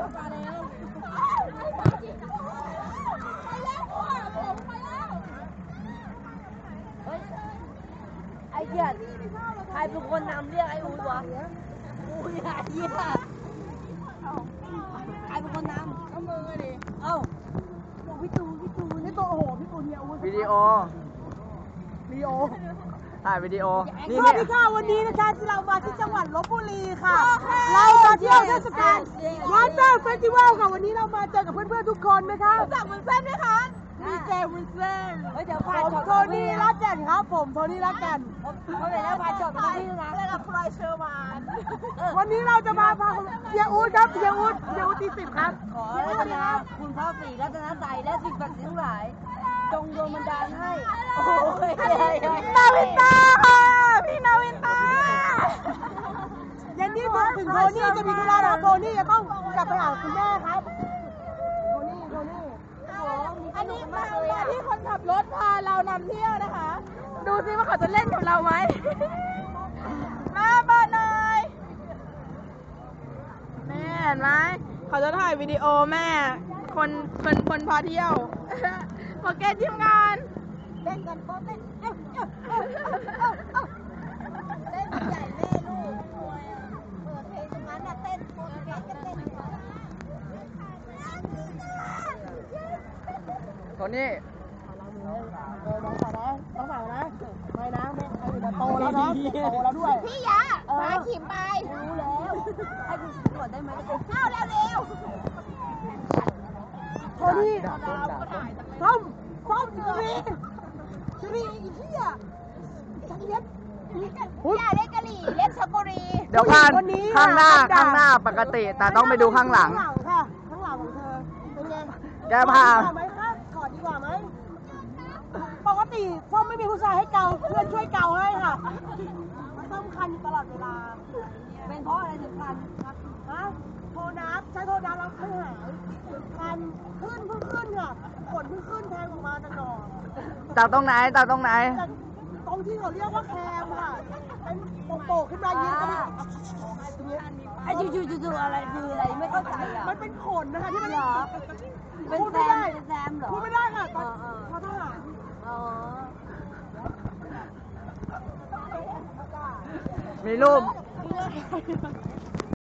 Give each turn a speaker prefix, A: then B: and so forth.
A: มาแล้วไอ้เหี้ยใครเป็นคนนำเรียกไอ้อูดวะอูดไอ้เหี้ยใครเป็นคนนำเอามือดิเอ้าพี่ตูนนี่ตัวโอ้โหพี่ตูนเนี่ยอูด
B: วิดีโอถ่ายวิดีโอ
C: สวัสดีค่ะวันนี้นะคะเรามาที่จังหวัดลพบุรีค่ะเรามาเที่ยวเทศกาลวอนเตอร์เฟสติวัลค่ะวันนี้เรามาเจอกับเพื่อนๆทุกคนนะคะรู้จักวุ้นเส้นไหมคะมีเจวุ้นเส้น
A: เดี๋ยวพาจอด
C: โทนี่รักกันครับผมโทนี่รักกัน
A: เขาเลยแล้วพาจอดมาที่นะแล้วกับพลอยเชอร์มาน
C: วันนี้เราจะมาพาเฮียอู๊ดครับเฮียอู๊ดที่10ครับ
A: ขอรัตนาคุณพระศรีรัตนใจและสิ่งศักดิ์สิทธิ์ทั้งหลายจงโดนบันดาลให้โอ้ย
C: นาวินตาค่ะพี่นาวินตายันนี่ถึงโทนี่จะมีธุระนะโทนี่จะต้องกลับไปหาคุณแม่ครับโทนี่อันนี้มาที่คนขับรถพาเรานำเที่ยวนะคะดูซิว่าเขาจะเล่นกับเราไหมมาบ้านหน่อยแม่เห็นไหมเขาจะถ่ายวิดีโอแม่คนพาเที่ยวโอเคทีมงาน
A: เล่นกันโป๊ะเล่นเล่นใหญ่แม่ลูกรวยอ่ะเปิดเพลงตรงนั้นน่ะเต้นโป๊ะเต้นกันเต้น
B: โทนี่
C: น้องสาวนะไม่นะโตแล้วนะโตแล้วด้วย
A: พี่ยะมาขิมไปรู้แล้วให้คุณกดได้ไหมเข้าแล้วเร็ว
C: โทนี่ส้มจะมีอีกที่อ่ะจังเล็บ
A: อย่าเล่นกะหรี่เล่นชลบุรี
B: เดี๋ยวผ่านข้างหน้าปกติแต่ต้องไปดูข้างหลัง
C: ค่ะข้างหลังของเธอเป็นไง
B: แกพา
C: ไหมคะกอดดีกว่าไหมปกติส้มไม่มีผู้ชายให้เกาเพื่อนช่วยเกาให้ค่ะมันต้องคันตลอดเวลา
A: เป็นเพราะอะไรถึงคัน
C: ฮะโทน้ำใช้โทน้ำแล้วค่อยหายคันขึ้นค่ะขนขึ้นแทงออกมาจากหนอ
B: จากตรงไหนตรง
C: ที่เขาเรียกว่าแคมค่ะเป็นโป่งขึ้นมายืนกัน
A: ไอ้จู่อะไรคืออะไรไม่เข้าใจอ่ะ
C: มันเป็นขนนะคะที่มัน
A: เป็นแซมเหรอ
C: พูดไม่ได้ค่ะตอนพอทหาร
B: มีรูป